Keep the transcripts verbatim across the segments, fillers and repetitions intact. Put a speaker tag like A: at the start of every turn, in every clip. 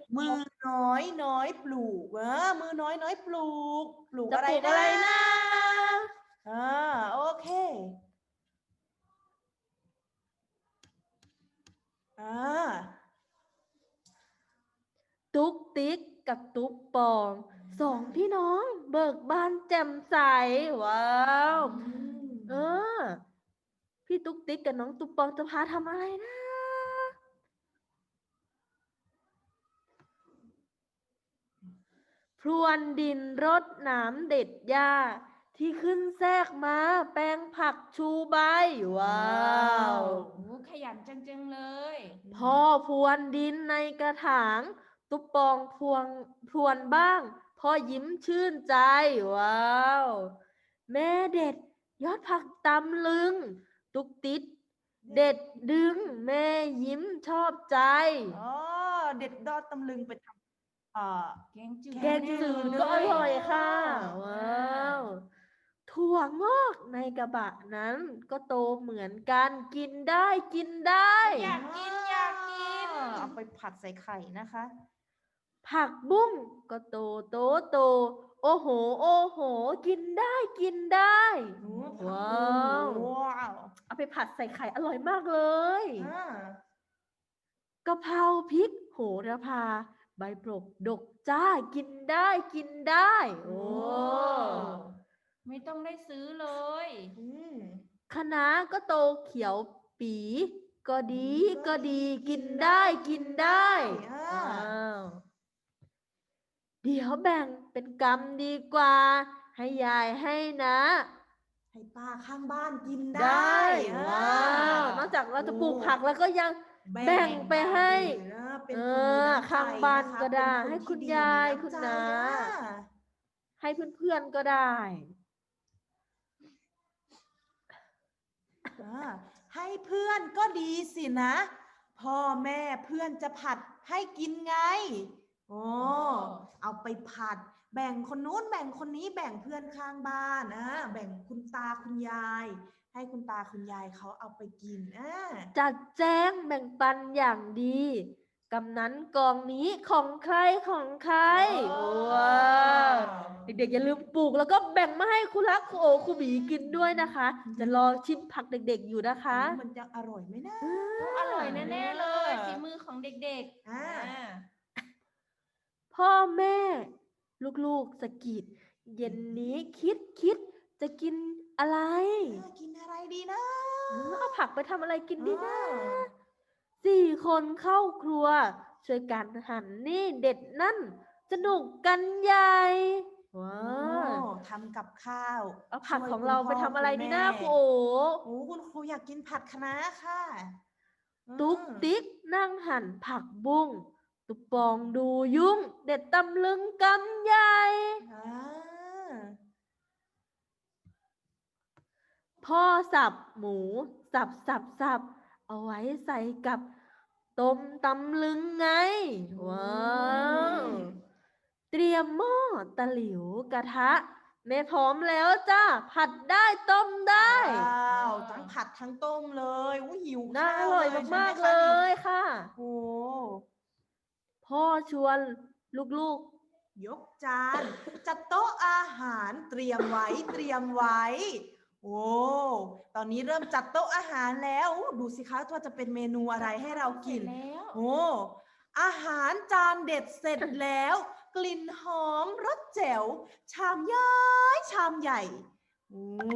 A: มือน้อยน้อยปลูกเออมือน้อยน้อยปลูกปลูก
B: จะ
A: อะไร
B: ปลูก
A: นะ
B: อะไรนะ
A: อ่าโอเคอ่า
B: ตุ๊กติ๊กกับตุ๊กปองสองพี่น้องเบิกบานแจ่มใสว้าวเออพี่ตุ๊กติ๊กกับน้องตุ๊กปองจะพาทำอะไรนะพรวนดินรดน้ำเด็ดหญ้าที่ขึ้นแทรกมาแปลงผักชูใบว้าว
C: โอ้ขยันจังๆเลย
B: พ่อพรวนดินในกระถางตุ๊กปองพวงพรวนบ้างพ่อยิ้มชื่นใจว้าวแม่เด็ดยอดผักตำลึงตุ๊กติ๊ดเด็ดดึงแม่ยิ้มชอบใจ
A: อ๋อเด็ดดอดตำลึงไปทำเอ่อ
C: แกงจืด
B: แกงจืดก็อร่อยค่ะว้าวถั่วงอกในกระบะนั้นก็โตเหมือนกันกินได้กินได้
C: อยากกินอยากกิน
A: เอาไปผัดใส่ไข่นะคะ
B: ผักบุ้งก็โตโตโต โอ้โห โอ้โห กินได้กินได้ ว้าว
A: ว้าว
B: เอาไปผัดใส่ไข่อร่อยมากเลย
A: อ่าก
B: ะเพราพริกโหระพา ใบปลกดกจ้ากินได้กินได้ โอ้
C: ไม่ต้องได้ซื้อเลย
A: อืม
B: คะน้าก็โตเขียวปี ก็ดีก็ดีกินได้กินได้
A: อ่า
B: ว้าว เดี๋ยวแบ่งเป็นกรรมดีกว่า ให้ยายให้นะ
A: ให้ป้าข้างบ้านกิน
B: ได้
A: ได้
B: ว้าว นอกจากเราจะปลูกผักแล้วก็ยัง แบ่งไปให้
A: นะเป็น
B: เอ
A: คนมี
B: อ
A: น้ำใจ
B: ข้างบ้าน
A: นะคะ
B: ก็ได้
A: เป็นน
B: ให้คุณ
A: ที่ดี
B: ยาย
A: มีน้ำ
B: คุณ
A: ใจ
B: น้า
A: อ่ะ
B: ให้เพื่อนๆก็ได้
A: อ่าให้เพื่อนก็ดีสินะ พ่อแม่เพื่อนจะผัดให้กินไงโอ้เอาไปผัด แบ่งคนนู้นแบ่งคนนี้แบ่งเพื่อนข้างบ้านอ่าแบ่งคุณตาคุณยาย ให้คุณตาคุณยายเขาเอาไปกินอ่า
B: จัดแจงแบ่งปันอย่างดีกำนั้นกองนี้ของใครของใครว้าวเด็กๆอย่าลืมปลูกแล้วก็แบ่งมาให้ครูรักครูโอครูบีกินด้วยนะคะ จะรอชิมผักเด็กๆอยู่นะคะ
A: มันจะอร่อยไหมนะ
C: อร่อยแน่ๆเลยฝีมือของเด็กๆ
A: อ่า
C: อ่า
B: พ่อแม่ ลูกๆสะกิดเย็นนี้คิดคิดจะกินอะไร
A: อ่ากินอะไรดีนะ
B: เออเอาผักไปทำอะไรกินดีนะ
A: อ่า
B: สี่คนเข้าครัว ช่วยกันหั่นนี่เด็ดนั่น สนุกกันใหญ่ว้า
A: โอ้
B: ว
A: ทำกับข้าว
B: เอาผัก
A: ช่วย
B: ของ
A: คุณ
B: เรา
A: พ่
B: ไปทำอะไร
A: คุณ
B: ดีนะ
A: แม่
B: ครูโอ
A: โอ้คุณครูอยากกินผัดคะน้าค่ะ
B: ตุ๊ก
A: อืม
B: ติ๊กนั่งหั่นผักบุ้งตุ๊กปองดูยุ่ง เด็ดตำลึงกำใหญ่
A: อ่า
B: พ่อสับหมู สับสับสับเอาไว้ใส่กับต้มตำลึงไง ว้าว เตรียมหม้อตะหลิวกระทะแม่พร้อมแล้วจ้าผัดได้ต้มได้
A: ว้าวทั้งผัดทั้งต้มเลยอุ้ยหิว
B: น่า
A: ข้าว
B: อร่อย
A: ใช่ไห
B: มากๆ
A: คะ
B: เล
A: นี่
B: ยค่ะ
A: โอ้
B: พ่อชวนลูก
A: ยกจาน จัดโต๊ะอาหารเตรียมไว้เตรียมไว้ โอ้ตอนนี้เริ่มจัดโต๊ะอาหารแล้วอู้ดูสิคะว่าจะเป็นเมนูอะไรให้เรากิน
C: เสร็จแล้ว
A: โอ้ อาหารจานเด็ดเสร็จแล้ว กลิ่นหอมรสแจ๋ว ชามย้ายชามใหญ่ โอ้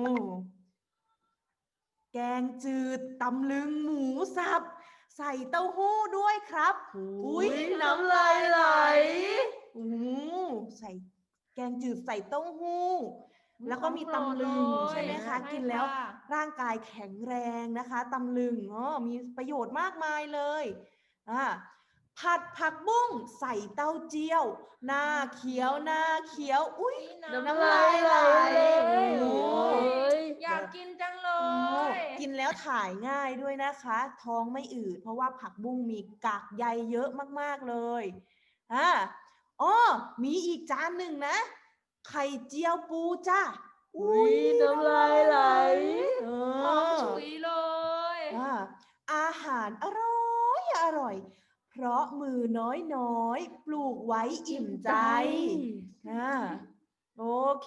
A: แกงจืดตำลึงหมูสับ ใส่เต้าหู้ด้วยครับ
B: ๆ
A: อุ๊ย
B: น้ำลายไหล
A: โอ้ใส่แกงจืดใส่เต้าหู้ แล้วก็มี
C: ของโปรด
A: ตำลึง
C: เลย
A: ใช่ไหมคะ
C: ใช่
A: กินแล้ว
C: ค่ะ
A: ร่างกายแข็งแรงนะคะตำลึงอ๋อมีประโยชน์มากมายเลยอ่าผัดผักบุ้งใส่เต้าเจี้ยว หน้าเขียวหน้าเขียว อุ้ย
B: น้ำลายไหลเลย
A: โอ้
C: อยากกินจังเล
A: โอ้
C: ย
A: กินแล้วถ่ายง่ายด้วยนะคะ ท้องไม่อืดเพราะว่าผักบุ้งมีกากใยเยอะมากๆเลยอ่าอ๋อมีอีกจานหนึ่งนะ ไข่เจียวปูจ้า
B: อุ๊ยน้ำลายไหล
A: เอ
C: หอม
A: อ
C: ฉุยเลย
A: อ่าอาหารอร่อยอร่อย พราะมือน้อยๆ ปลูกไว้อิ่มใจอ่าโอเค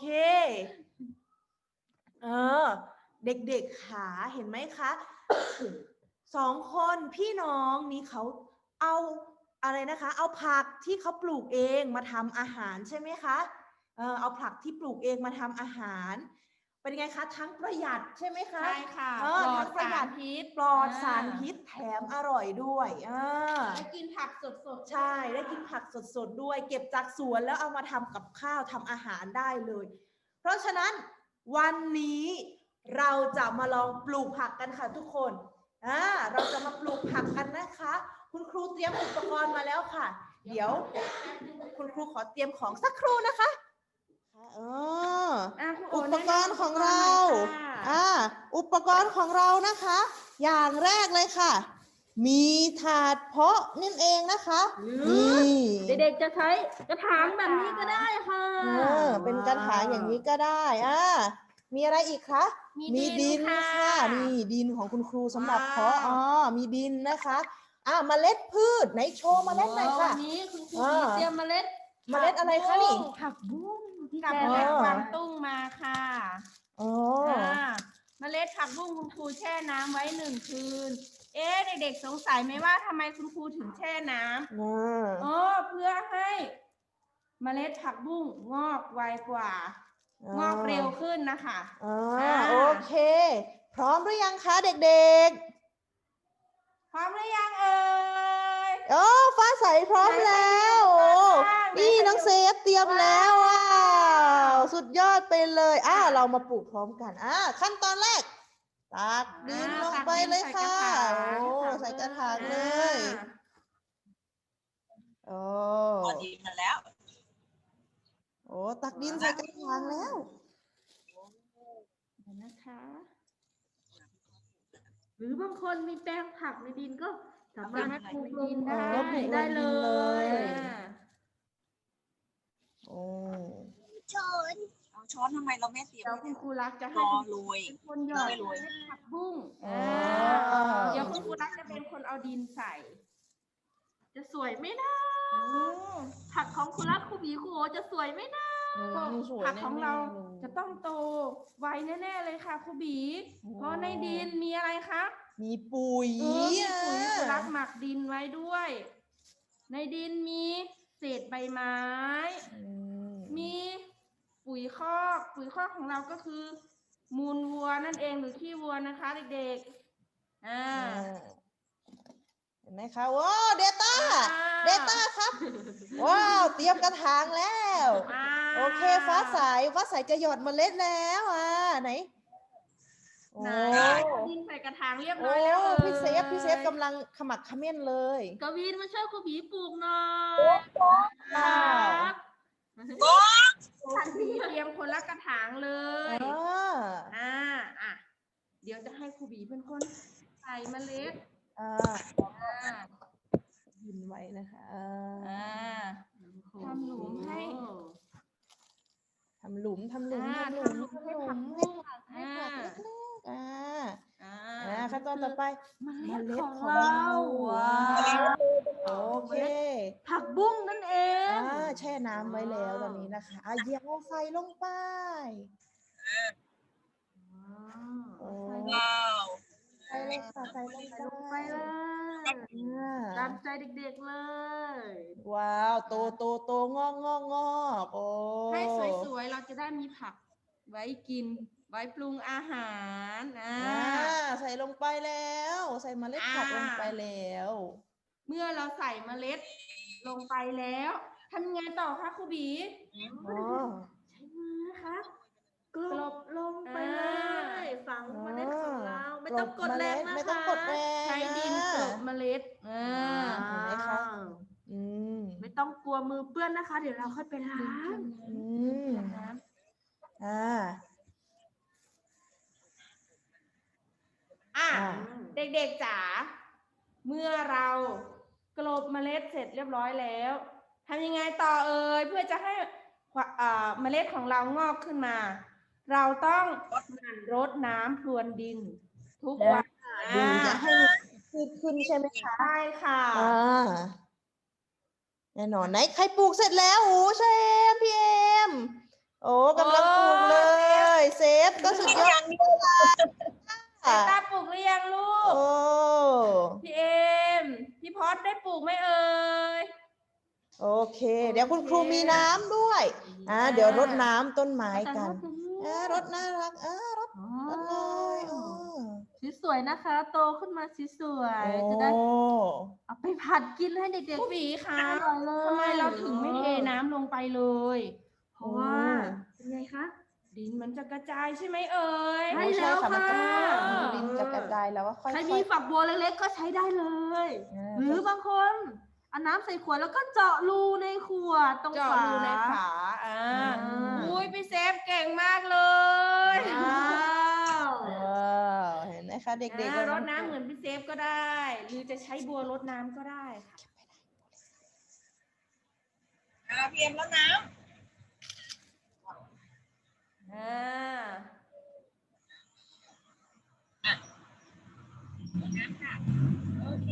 A: เออ เด็กๆขาเห็นไหมคะ สองคนพี่น้องนี้เขาเอาอะไรนะคะ เอาผักที่เขาปลูกเองมาทำอาหารใช่ไหมคะ เออเอาผักที่ปลูกเองมาทำอาหาร เป็นไงคะ ทั้งประหยัดใช่ไหมคะ
C: ใช่ค่ะ
A: เออ
C: ปลอ
A: ทั้
C: ด
A: งประหยั
C: สา
A: ด
C: รพิษ
A: ปลอดสารพิษแถมอร่อยด้วยอ่า
C: ได้กินผักสดๆ
A: ใช่ได้กินผักสดๆด้วย เก็บจากสวนแล้วเอามาทำกับข้าวทำอาหารได้เลย เพราะฉะนั้นวันนี้เราจะมาลองปลูกผักกันค่ะทุกคนอ่าเราจะมาปลูกผักกันนะคะ คุณครูเตรียมอุปกรณ์มาแล้วค่ะ เดี๋ยวคุณครูขอเตรียมของสักครู่นะคะเออ
C: อ่ะคุณโ
A: อุปกรณ์ของเรา
C: แนะนำอุปกรณ์หน่อยค่ะ
A: อ่า อุปกรณ์ของเรานะคะ อย่างแรกเลยค่ะ มีถาดเพาะนั่นเองนะคะ นี่
B: เด็กๆจะใช้กระถางแบบนี้ก็ได้ค่ะ
A: เออเป็นกระถางอย่างนี้ก็ได้อ่ามีอะไรอีกคะ
C: มีดินค่ะ
A: นี่ดินของคุณครูสำหรับเพาะ
C: ว้าว
A: อ๋อ มีดินนะคะ อ่าเมล็ดพืชไหนโชว์เมล็ดหน่อยค่ะ
C: วันนี้คุณครู
A: อ่า
C: มีเตรียมเมล็ด
A: เมล็ดอะไรคะนี่
B: ผักบุ้งที่
C: กับ
B: แช่
C: แม่ก
A: อ๋อ
C: วางตุ้งมาค่ะ
A: อ๋อ
C: อ่าเมล็ดผักบุ้งคุณครูแช่น้ำไว้หนึ่งคืน เอ๊ะเด็กๆสงสัยไหมว่าทำไมคุณครูถึงแช่น้ำ
A: อ่า
C: อ๋อเพื่อให้เมล็ดผักบุ้งงอกไวกว่า งอกเร็วขึ้นนะคะ
A: อ่า
C: อ่า
A: โอเค พร้อมหรือยังคะเด็ก
C: พร้อมหรือยังเอ่ย
A: ๆ โอ้ฟ้าใสพร้อมแล้วโอ้นี่น้องเซฟเตรียมแล้วว้าวสุดยอดไปเลยอ่าเรามาปลูกพร้อมกันอ่าขั้นตอนแรกตักดินลงไปเลยค่ะโอ้ใส่กระถางเลย โอ้
D: พอดีมาแล้ว
A: โอ้ตักดินใส่กระถางแล้ว
B: เดี๋ยวนะคะ หรือบางคนมีแปลงผักในดินก็สามารถปลูกลง
C: ได้
A: อ๋อปลูกล
B: ได้
A: ง
B: เล
A: ดินเลย
B: ย
C: อ่า
A: โอ้
D: เอาช้อนทำไมเราไม่เตรียม
C: เดี๋ยวคุณครูรักจะ
D: ร
C: ให้
D: อ
C: คุณ
D: โรย
C: เป็นคนหยอด
D: ไม่โรย
C: เมล็ดผักบุ้ง
A: อ๋อ
C: อ่าเดี๋ยวคุณครูรักจะเป็นคนเอาดินใส่
B: จะสวยไหมนะ
C: อืม
B: ผักของคุณรักคุณหมีคุณโอจะสวยไหมนะ
C: ผักของเราจะต้องโตไวแน่ๆเลยค่ะครูบี เพราะในดินมีอะไรคะ
A: มีปุ๋ย
C: เออมีปุ๋ย
A: อ่ะ
C: ครูรักหมักดินไว้ด้วย ในดินมีเศษใบไม้
A: อืม
C: มีปุ๋ยคอกปุ๋ยคอกของเราก็คือ มูลวัวนั่นเองหรือขี้วัวนะคะเด็กๆอ่า
A: อ่าเห็นไหมคะว้าวเดต้า
C: ว้าว
A: เดต้าครับ ว้าว เตรียมกระถางแล้ว
C: ว้าว
A: โอเค ฟ้าใส ฟ้าใสจะหยอดเมล็ดแล้วอ่ะไหน โอ้
C: ไหนดินใส่กระถางเรียบร้
A: โอ้
C: อยแล้วเอ่ย
A: พี่เซฟ พี่เซฟกำลังขมักเขม้นเลย
B: กวินมาช่วยคุณหมีปลูกหน่อย
A: ว้าว
B: ครับ
C: ทันทีเตรียมคนละกระถางเลย
A: อ่า
C: อ่าอ่ะเดี๋ยวจะให้ครูบีเป็นคนใส่เมล็ด
A: อ่า
C: อ่า
A: ยินไว้นะคะอ่า
C: อ่า ทำหลุมให้
A: ทำหลุมทำหลุม
C: อ่า
A: ทำหลุม
C: ทำหลุม
A: ทำห
C: ให้
A: ลุม
C: ผัก
A: ให้
C: บุ้ง
A: ผักเล็กๆอ่า
C: อ่า
A: อ่าขั้นตอนต่อไป
B: เม
A: เม
B: ล็ด
A: ล็ด
B: ของ
A: ของ
B: เรา
A: เรา
B: ว้าว
A: โอเค
B: ผักบุ้งนั่นเอง
A: อ่าแช่น้ำไว้แล้วตอนนี้นะคะอ่ะเหยียบเอาใส่ลงไปโอ้
D: ว้าว
A: ใส่เลยค่ะใส่ลง
B: ลง
A: ไป
B: ไปเลย
A: อ่า
B: ตามใจเด็กๆเลย
A: ว้าวโตโตโตงอกงอกงอกโอ้
C: ให้สวยๆ เราจะได้มีผักไว้กิน ไว้ปรุงอาหารอ่า
A: อ่าใส่ลงไปแล้ว ใส่เมล็ดผัก
C: อ่า
A: ลงไปแล้ว
C: เมื่อเราใส่เมล็ดลงไปแล้วทำยังไงต่อคะครูบี
A: อ๋อ
B: ใช้มือนะคะกลบลงไปเล
C: อ่า
B: ยฝังเมล็ดของเรา ไม่ต้องกด
A: เม
B: แร
A: ล็
B: ง
A: ด
B: นะคะ
A: ไม่ต้องกดแรง
C: ใช้ดินกลบเมล็ดอ่า
A: เห็นไหมคะ อืม
B: ไม่ต้องกลัวมือเปื้อนนะคะ เดี๋ยวเราค่อยไปล้าง
A: อืมอ่า
C: อ่ะ
A: อ่า
C: เด็กๆจ๋าเมื่อเรากลบเมล็ดเสร็จเรียบร้อยแล้วทำยังไงต่อเอ่ยเพื่อจะให้อ่าเมล็ดของเรางอกขึ้นมา เราต้องหมั่นรดน้ำพรวนดิน ทุกวัน
A: ดูจะให้มันขึ้นขึ้นใช่ไหมคะ
C: ใช่ค่ะ
A: อ่าแน่นอนไหนใครปลูกเสร็จแล้วโอ้ใช่เอ็มพี่เอ็มโอ้กำลังปลูกเลย เซฟก็สุดยอด
C: สายตาปลูกหรือยังลู
A: โอ้
C: ก พี่เอ็มพี่พอดได้ปลูกไหมเอ่ย
A: โอเค เดี๋ยวคุณครูมีน้ำด้วยอ่าเดี๋ยวรดน้ำต้นไม้กันอ่ารดน่ารักอ่ารดรดเลยอ๋อ
B: สีสวยนะคะ โตขึ้นมาสีสวย
A: โอ้
B: จะได้เอาไปผัดกินให้เด็ก
C: ผู้บีคะ
B: อร่อยเลย
C: ทำไมเราถึงไม่เทน้ำลงไปเลย
B: ๆ เพราะว่าเป็นไงคะ
C: ดินมันจะกระจายใช่ไหมเอ่ย
B: ใช่
A: โอ้ใช่ค่ะมันจะ
B: แล้วค่ะ
A: ดินจะกระจายแล้วว่าค่อย
B: ใคร
A: ๆ
B: มีฝักบัวเล็กๆก็ใช้ได้เลย
A: อ่า
B: หรือบางคนเอาน้ำใส่ขวดแล้วก็เจาะรูในขวดตรง
C: เจาะ
B: ฝา
C: รูในฝาอ่า
B: อ่า
C: อุ้ยพี่เซฟเก่งมากเลย
B: ว้าว
A: ว้าวเห็นไหมคะเด็กๆ
C: อ่า
A: ก็
C: รดน้ำเหมือนพี่เซฟก็ได้ หรือจะใช้บัวรดน้ำก็ได้ค่ะ
D: อ่าพี่เอ็มแล้วน้
C: อ่า
D: ำน้ำค่ะ โอเค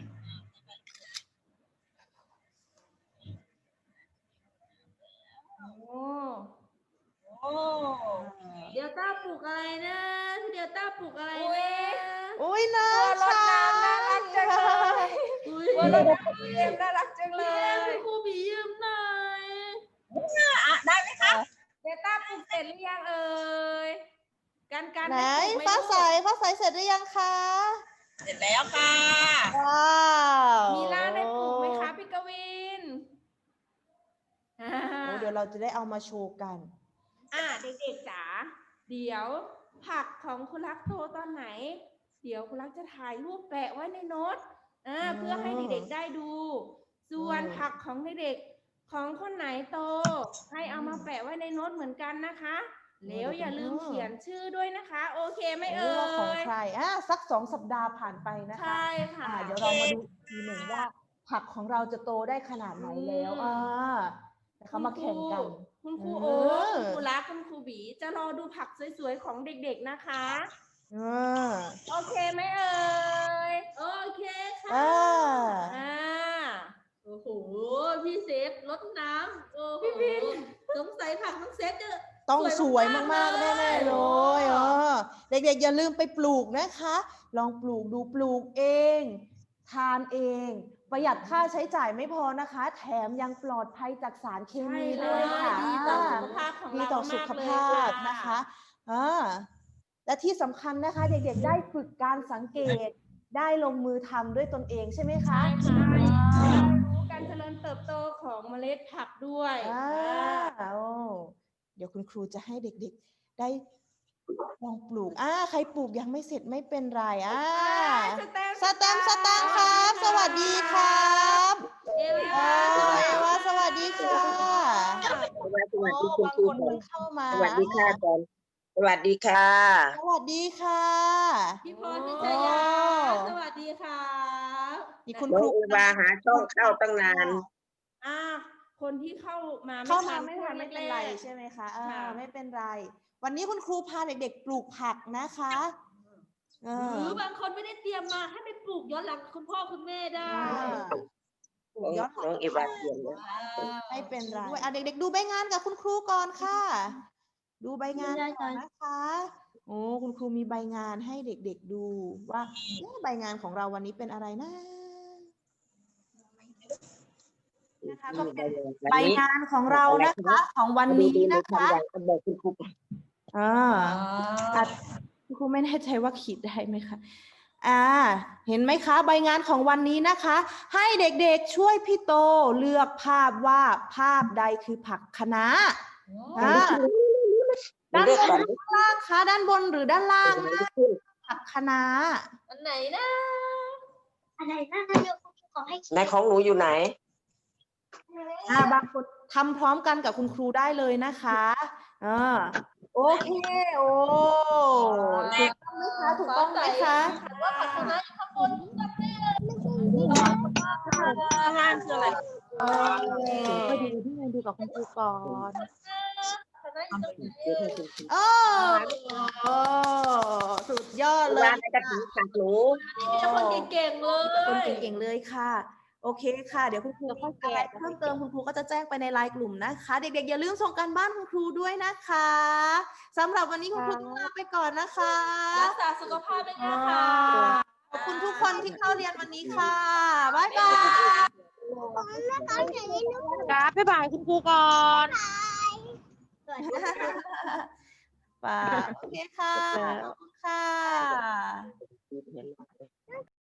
C: โอ้
D: โอ้
B: เดลต้าปลูกอะไรนะพี่เดลต้าปลูกอะไร
C: อุ๊
B: นะ
C: ย
A: อุ้ยน่า
C: บัวรดน้ำน่ารักจังเลย
B: อุ้ย
C: บัวรดน้ำพี่เอ็มน่ารักจังเล
B: พี่เอ็ม
C: ย
B: คุณครูบียืมหน่อย
D: อ่ะได้ไหมคะ
C: เดต้าปลูกเสร็จหรือยังเอ่ยการการ
A: ไหน
C: ได้ปลูกไหม
A: ฟ้า
C: ลูก
A: ใสฟ้าใสเสร็จหรือยังคะ
D: เสร็จแล้วค่ะ
A: ว้าว
C: มีล่าได้ปลูกไหมคะพี่กวินอ่า
A: โอ้เดี๋ยวเราจะได้เอามาโชว์กัน
C: อ่าเด็กๆจ๋าเดี๋ยวผักของคุณรักโตตอนไหน เดี๋ยวคุณรักจะถ่ายรูปแปะไว้ในโน้ตอ่า
A: อ๋อ
C: เพื่อให้เด็กๆได้ดู ส่วน
A: อืม
C: ผักของเด็กๆของคนไหนโต ให้เอามาแปะไว้ในโน้ตเหมือนกันนะคะแล้วอย่าลืมเขียนชื่อด้วยนะคะ โอเคไหมเอ่
A: ว่าของ
C: ย
A: ใครอ่ะสักสองสัปดาห์ผ่านไปนะคะ
C: ใช่ค่ะ
A: อ่าเดี๋ยวเรามาดูอีกทีหนึ่งว่า ผักของเราจะโตได้ขนาดไหนแล้ว
C: อืม
A: อ่านะคะมาแข่งกัน
C: คุณครู
A: เอ
C: โอ๊
A: อ
C: ตคุณครูรักคุณครูบีจะรอดูผักสวยๆของเด็กๆนะคะ
A: อ่า
C: โอเคไหมเอ่ย
B: โอเคค่ะ
A: อ่า
C: อ่า
B: โอ้โห พี่เซฟรดน้ำโอ้โหสงสัยผักน้องเซฟจะ
A: ต้องสวยมากๆ
B: เลย
A: แน่ๆเลยเออเด็กๆอย่าลืมไปปลูกนะคะ ลองปลูกดูปลูกเอง ทานเอง ประหยัดค่าใช้จ่ายไม่พอนะคะ แถมยังปลอดภัยจากสารเคมีด้วยค่ะ
C: ดีต่อสุขภาพของ
A: ดี
C: เรา
A: ต่อสุข
C: มกๆ
A: ภาพ
C: เลย
A: นะคะอ่าและที่สำคัญนะคะ เด็กๆได้ฝึกการสังเกต ได้ลงมือทำด้วยตนเองใช่ไหมคะ
C: ใช่ค่ะรู้การเจริญเติบโตของเมล็ดผักด้วย
A: อ่า
C: อ่า
A: โอ้เดี๋ยวคุณครูจะให้เด็กๆ ได้ลองปลูกอ่าใครปลูกยังไม่เสร็จไม่เป็นไรอ่า
C: สแตมป์
A: สแตมป์สตางค์ครับ สวัสดีครับ
B: เอ
A: เอ
B: วา
A: อเอวาสวัสดีค่ะ
E: สวัสดี
A: โอ้
E: คุณ
A: บาง
E: ครู
A: คนเพิ่งเข้ามา
E: สวัสดีค่ะอาจารย์สวัสดีค่ะ
A: สวัสดีค่ะ
B: พี่พรพิชยา สวัสดีค่ะ
A: นี่คุณ
E: น้
A: ค
E: อง
A: รู
E: เอวาหาช่องเข้าตั้งนาน
C: อ่า คนที่เข้ามา
A: เข้ามา
C: ทั
A: ไม่ทันไม่เป็นไรใช่ไหมคะอ่า
C: ค่ะ
A: ไม่เป็นไร วันนี้คุณครูพาเด็กๆ ปลูกผักนะคะเอ
B: ห
A: อ
B: รือบางคนไม่ได้เตรียมมาให้ไปปลูกย้อนหลังคุณพ่อคุณแม่ได้
A: อ่าปลูกย้อนหลัง
E: น้องเอวาเขียนเลย
A: ไม่เป็นไรด้วยอ่ะเด็กๆ ดูใบงานกับคุณครูก่อนค่ะ ดูใบงาน
B: ได้
A: ก่อน
B: ค่ะ
A: นะคะ โอ้คุณครูมีใบงานให้เด็กๆดูว่าเอ๊ะใบงานของเราวันนี้เป็นอะไรนะนะคะก็เป็นใบงานของเรานะคะ ของวันนี้นะคะ
E: บอกคุณครู
A: อ่าอ่ะคุณครูไม่แน่ใจว่าขีดได้ไหมคะ อ่า เห็นไหมคะ ใบงานของวันนี้นะคะ ให้เด็กๆช่วยพี่โตเลือกภาพว่าภาพใดคือผักคะน้าอ่าด้านบนหรือด้านล่างคะด้านบนหรือด้านล่างนะผักคะน้า
B: อันไหนนะ
F: อะไรนะเดี๋ยวคุณครูขอให้
E: ในของหนูอยู่ไหน
A: อ่าบางคนทำพร้อมกันกับคุณครูได้เลยนะคะอ่าโอเค โอ้ถูกต้องไหมคะถูกต้องไหมคะ
B: ว่าผักคะน้าอยู่ข้างบนจำได้เลย
C: ข้างล่างคืออะไร
A: เออก็ดูที่ไงดูกับคุณครูก่อน
B: ผักคะน้าอยู่ตรงไหน
A: โอ้โอ้สุดยอดเล
E: วาย ในกระถิ่นผักหนู
B: มีแต่คนเก่งๆเล
A: คน
B: ย
A: เก่งๆเลยค่ะโอเคค่ะ เดี๋ยวคุณครูมีอะไรเพิ่มเติมคุณครูก็จะแจ้งไปในไลน์กลุ่มนะคะ เด็กๆอย่าลืมส่งการบ้านคุณครูด้วยนะคะสำหรับวันนี้คุณครูต้องลาไปก่อนนะคะ
B: รักษาสุขภาพด้วยนะคะ
A: ขอบคุณทุกคนที่เข้าเรียนวันนี้ค่ะบ๊ายบาย
D: ครับบ๊ายบายคุณครูก่อน
A: ป่าโอเคค่ะขอบคุณค่ะ